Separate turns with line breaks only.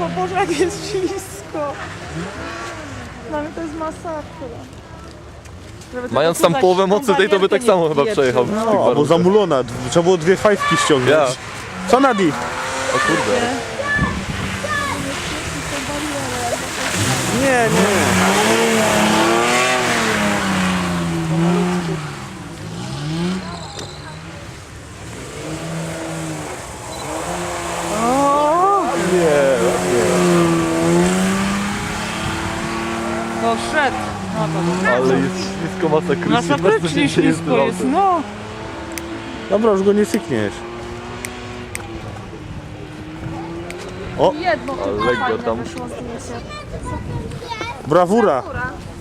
ślisko, Boże, jak jest ślisko. Dla mnie to jest masakra.
Mając tam połowę mocy tej, to by tak samo chyba przejechał.
No, albo zamulona. Trzeba było 2 fajki ściągnąć.
Ja.
Co, Nadi?
O kurde.
Nie.
No szedł.
Ale jest ślisko masakrycznie.
Masakrycznie ślisko jest, no.
Dobra, już go nie sykniesz. O,
Jedno
Ale
tylko
lekko
fajne
tam.
wyszło zdjęcie.
brawura.
Dobra.